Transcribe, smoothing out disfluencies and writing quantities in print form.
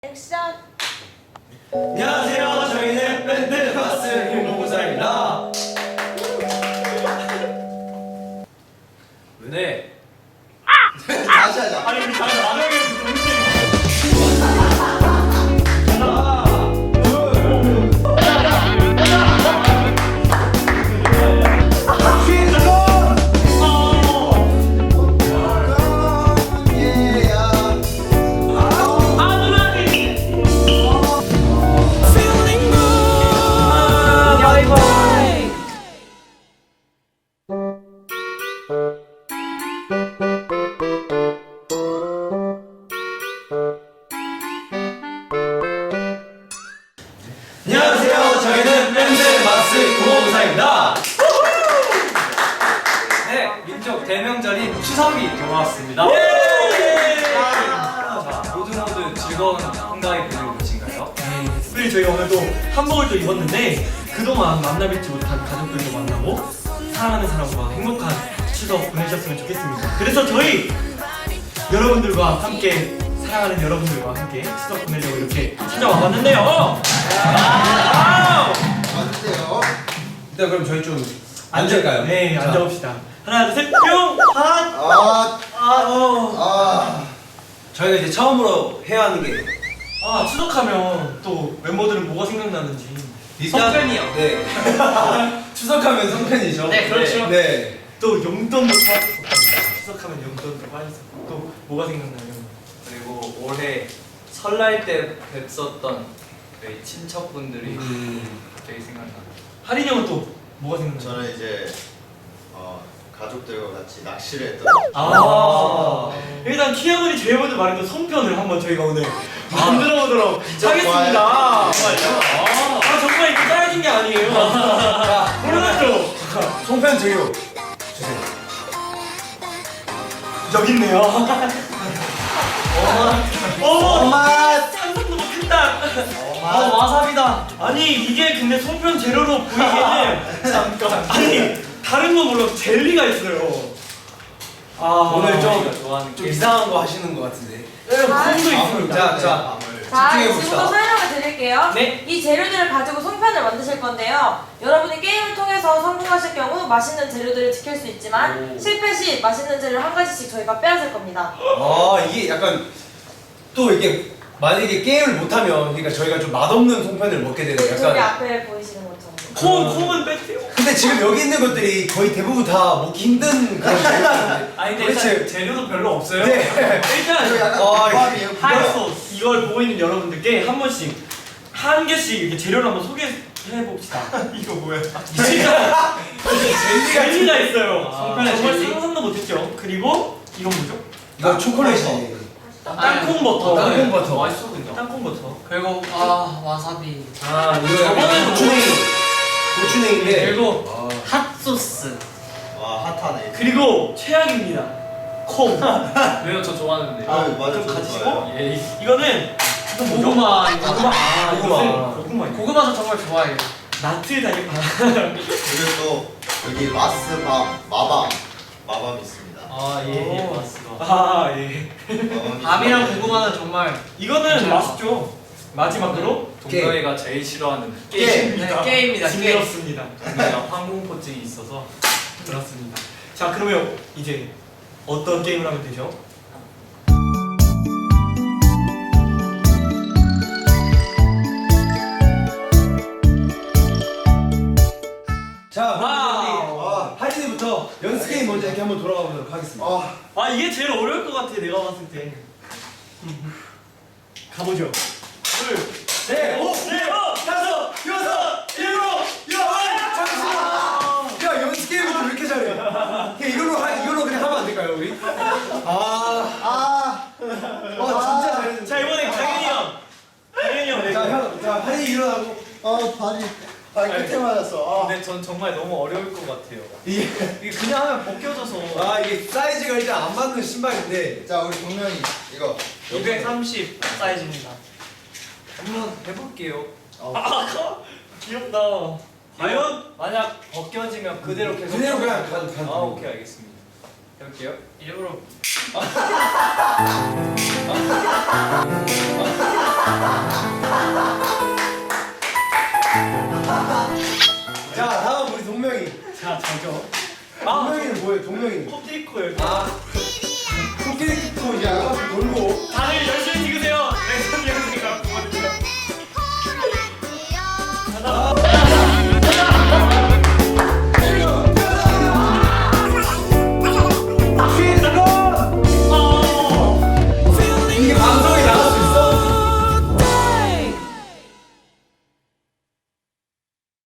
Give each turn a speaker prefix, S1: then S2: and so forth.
S1: 액션!
S2: 안녕하세요. 저희는 밴드 마스 김동구사입니다. 은혜.
S3: 다시 하자.
S2: 아니 우리 다시 안 하겠어. 안녕하세요. 저희는 밴드 마스 김동구사입니다. 네, 민족 대명절인 추석이 돌아왔습니다. 자, 모두 즐거운 한가위 보내고 계신가요?
S4: 특별히 저희가 오늘 또 한복을 또 입었는데 그동안 만나뵙지 못한 가족들도 만나고 사랑하는 사람과 행복한 추석 보내셨으면 좋겠습니다. 그래서 저희 여러분들과 함께 사랑하는 여러분들과 함께 추석 보내려고 이렇게 찾아와봤는데요.
S3: 맞으세요.
S2: 일단 그럼 저희 좀 앉을까요?
S4: 네,
S2: 자.
S4: 앉아봅시다. 하나, 둘, 셋, 뿅! 핫!
S2: 저희가 이제 처음으로 해야 하는 게
S4: 추석하면 또 멤버들은 뭐가 생각나는지.
S2: 성편이요. 네. 추석하면 성편이죠.
S1: 네, 그렇죠.
S2: 네.
S4: 또 용돈도 빠졌었고 추석하면 용돈도 빠졌었고 또 뭐가 생각나요?
S5: 그리고 올해 설날 때 뵀었던 저희 친척분들이 갑자기 생각나요.
S4: 하린이 형은 또 뭐가 생각나요?
S3: 저는 이제 가족들과 같이 낚시를 했던.
S4: 일단 키아군이 제일 먼저 말한 그 손편을 한번 저희가 오늘 만들어 보도록 하겠습니다. 정말요? 정말 이거 짜여진 게 아니에요. 몰랐죠?
S2: 송편 제요. 주세요.
S4: 여기 있네요.
S3: 맛.
S4: 상상도 못했다. 와사비다. 아니 이게 근데 손편 재료로 보이기에는 잠깐. 아니 다른 건 몰라도 젤리가 있어요.
S2: 오늘 좀
S5: 좋아하는 게
S2: 이상한 거 하시는 것 같은데.
S4: 콩도 있습니다.
S2: 자,
S1: 자,
S2: 집중해봅시다.
S1: 지금부터 설명을 드릴게요.
S4: 네.
S1: 이 재료들을 가지고 송편을 만드실 건데요. 여러분이 게임을 통해서 성공하실 경우 맛있는 재료들을 지킬 수 있지만 실패 시 맛있는 재료를 한 가지씩 저희가 빼앗을 겁니다.
S2: 이게 약간 또 이게 만약에 게임을 못하면 그러니까 저희가 좀 맛없는 송편을 먹게 되는
S1: 저기
S2: 약간.
S1: 앞에 보이시는 것처럼.
S4: 콩은 빼세요.
S2: 근데 지금 여기 있는 것들이 거의 대부분 다 먹기 힘든 그런 재료인데.
S4: 아니 근데
S2: 도대체-
S4: 일단 재료도 별로 없어요.
S2: 네.
S4: 일단
S3: 이거 약간
S2: 아,
S3: 국밥이에요.
S4: 하이소스 이걸 보고 있는 여러분들께 한 번씩 한 개씩 이렇게 재료를 한번 소개해 봅시다. 이거 뭐야? 진짜 젤리가 있어요.
S5: 송편에
S4: 정말
S5: 젤리?
S4: 상상도 못했죠. 그리고 이건 뭐죠?
S2: 이거 초콜릿이.
S4: 땅콩 버터.
S2: 땅콩 버터.
S5: 맛있어 근데.
S4: 땅콩 버터.
S5: 그리고 와사비.
S2: 이거
S4: 저번에도
S2: 고추냉이인데.
S5: 그리고 핫소스.
S3: 와 핫하네.
S4: 그리고 최악입니다. 콩.
S5: 왜요? 저 좋아하는데.
S3: 맞아.
S4: 좀
S3: 저도
S4: 가지시고
S3: 좋아해요.
S4: 이거는
S5: 고구마.
S4: 고구마.
S2: 고구마.
S4: 고구마.
S5: 고구마 저 정말 좋아해요.
S4: 나트 다니.
S3: 그리고 또 여기 마스밤 마밤 있습니다.
S5: 예,
S4: 오.
S5: 맞습니다.
S4: 예.
S5: 밤이랑 고구마는 정말
S4: 이거는
S5: 괜찮아.
S4: 맛있죠. 마지막으로
S5: 동경이가 제일 싫어하는
S4: 게임입니다.
S5: 게임입니다.
S4: 징그럽습니다.
S5: 동경이가 항공포증이 있어서.
S4: 그렇습니다. 자 그러면 이제 어떤 게임을 하면 되죠?
S2: 자,
S4: 와우.
S2: 그럼 우리 하린이부터 연습 게임 먼저 이렇게 한번 돌아가 보도록 하겠습니다.
S4: 이게 제일 어려울 것 같아 내가 봤을 때. 가보죠. 둘, 셋, 다섯, 여섯, 일곱, 여덟.
S2: 잠시만. 야, 연습 게임을 왜 이렇게 잘해? 이걸로 그냥 하면 안 될까요, 우리? 진짜 잘했는데.
S4: 자 이번엔 강현이 형. 강현이 형.
S2: 자, 하린이 일어나고.
S3: 발이 끝에 맞았어.
S5: 근데 전 정말 너무 어려울 것 같아요.
S2: 이게
S5: 그냥 하면 벗겨져서.
S2: 이게 사이즈가 일단 안 맞는 신발인데.
S3: 자 우리 동명이 이거
S5: 230
S4: 사이즈입니다.
S5: 한번 해볼게요.
S4: 귀엽다.
S5: 과연 만약 벗겨지면 그대로 계속
S2: 그대로 그냥 가도
S5: 오케이 알겠습니다. 해볼게요. 일부러
S2: 자 다음 우리 동명이.
S5: 자 저죠.
S2: 동명이는 뭐예요? 동명이.
S4: 코끼리코예요.
S2: 아 코끼리 코 이제 아가씨 놀고